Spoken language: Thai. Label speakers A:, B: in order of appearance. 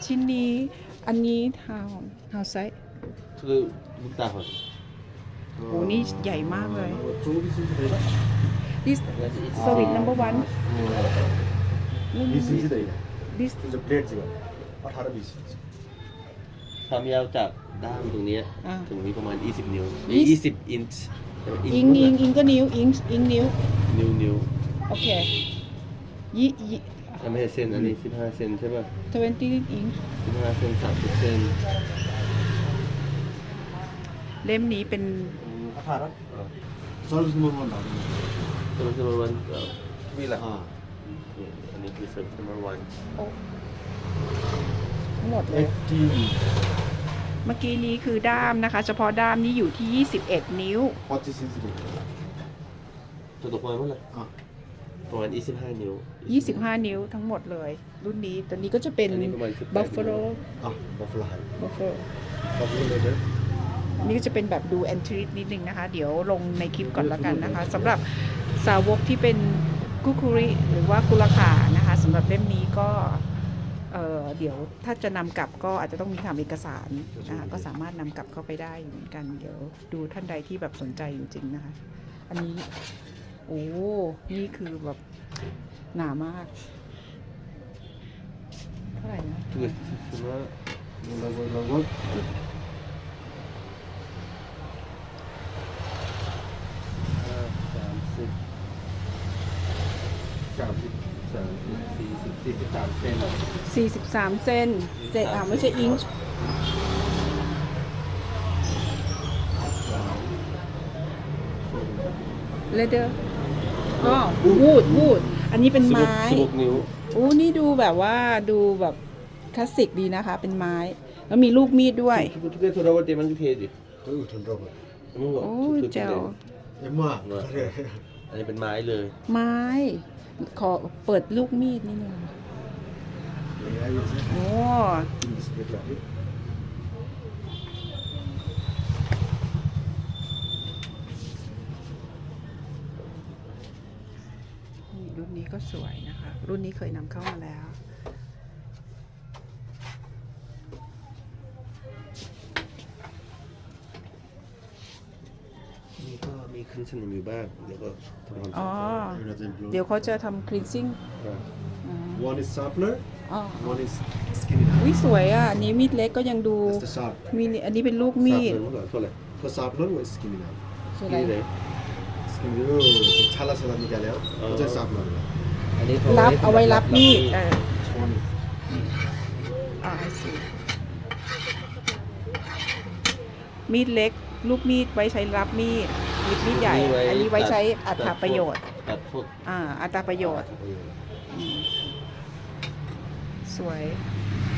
A: ชิ้นนี้อันนี้ how size
B: คือลูกตาคน
A: โอ้นี่ใหญ่มากเลย
C: 저기 있으면 되나?
A: this service number one
C: 미스이다 이거.
A: this
C: 이제 플레이트 지금. 아 다른 미스.
B: ความยาวจากด้ามตรงเนี้ย
A: อ่า
B: ถึงนี้ประมาณ 20 นิ้ว
A: ยี่สิบ
B: 20 อินช์
A: อิงก็นิ้วอิงนิ้ว
B: นิ้ว
A: โอเคยี่
B: ไม่ใช่เซนอันนี้15 เซนใช่ป่ะ
A: 20 อิง
B: 15 เซน30 เซน
A: เล่มนี้เป็น
C: 아 다른? 서비스 넘버만 나오는
B: ตัวที่มันวันวีละ
C: 거. 아.
B: อันนี้คือเซอร์วิสวัน
A: ทั้งหมดเลย
C: FD.
A: เมื่อกี้นี้คือด้ามนะคะ เฉพาะด้ามนี้อยู่ที่ 21 นิ้ว
C: 버티 시스템.
B: ตัวตัวประมาณเท่าไหร่
C: 아.
B: ประมาณ25 นิ้ว
A: 25 นิ้วทั้งหมดเลย รุ่นนี้ตัวนี้ก็จะเป็น
B: อันนี้ประมาณ18
A: Buffalo
C: 아 버플라 하이.
A: Buffalo
C: 버플라 레벨.
A: นี่ก็จะเป็นแบบดูแอนทรินิดนึงนะคะ เดี๋ยวลงในคลิปก่อนละกันนะคะสำหรับสาวกที่เป็นกุคุริหรือว่ากุลขานะคะสำหรับเล่มนี้ก็เดี๋ยวถ้าจะนำกลับก็อาจจะต้องมีทำเอกสารนะคะก็สามารถนำกลับเข้าไปได้เหมือนกัน เดี๋ยวดูท่านใดที่แบบสนใจจริงๆนะคะ อันนี้โอ้นี่คือแบบหนามากเท่าไหร่นะ
B: คือคือว่า
C: 이라고 이라고.
B: 43 เซน
A: 43 เซนไม่ใช่อิงช์เลเดอร์อ๋อวูดอันนี้เป็นไม้
B: 16 นิ้ว
A: โอ้นี่ดูแบบว่าดูแบบคลาสสิกดีนะคะ เป็นไม้ แล้วมีลูกมีดด้วย
B: ทุกๆ돌아올 때만 그ดิ
C: 그리고 돈 들어봐.
A: โอ้เจ๋ว
C: 엄마. 그래.
B: อันนี้เป็นไม้เลย
A: ไม้ ขอเปิดลูกมีดนิดนึง
C: 네, 알겠지.
A: โอ้
C: 비스켓.
A: นี่รุ่นนี้ก็สวยนะคะ รุ่นนี้เคยนำเข้ามาแล้ว
B: นี่ก็มีครึ่งสนิมอยู่บ้างเดี๋ยวก็ทำความ
A: อ๋อ
B: สะอาด
A: เดี๋ยวเขาจะทำคลีนซิ่ง
C: One is sharpener,
A: อ๋อ
C: one is skinny knife.
A: วิสวยอ่ะอันนี้มีดเล็กก็ยังดู
C: That's the sharp.
A: มีอันนี้เป็นลูกมีด
B: เมื่อก่อนเท่าไหร่
C: For sharpener, one is skinny knife.
A: คืออะไร
B: นี่เลย
C: Skinny 찰라서 나니까 해요. 어제 sharpener.
B: อันนี้
A: รับเอาไว้รับมีด
C: This one is
A: อ่า I see มีดเล็ก ลูกมีดไว้ใช้รับมีดมีดใหญ่ อันนี้ไว้ใช้อัตราประโยชน์
B: ตัดพวก
A: อัตราประโยชน์ สวย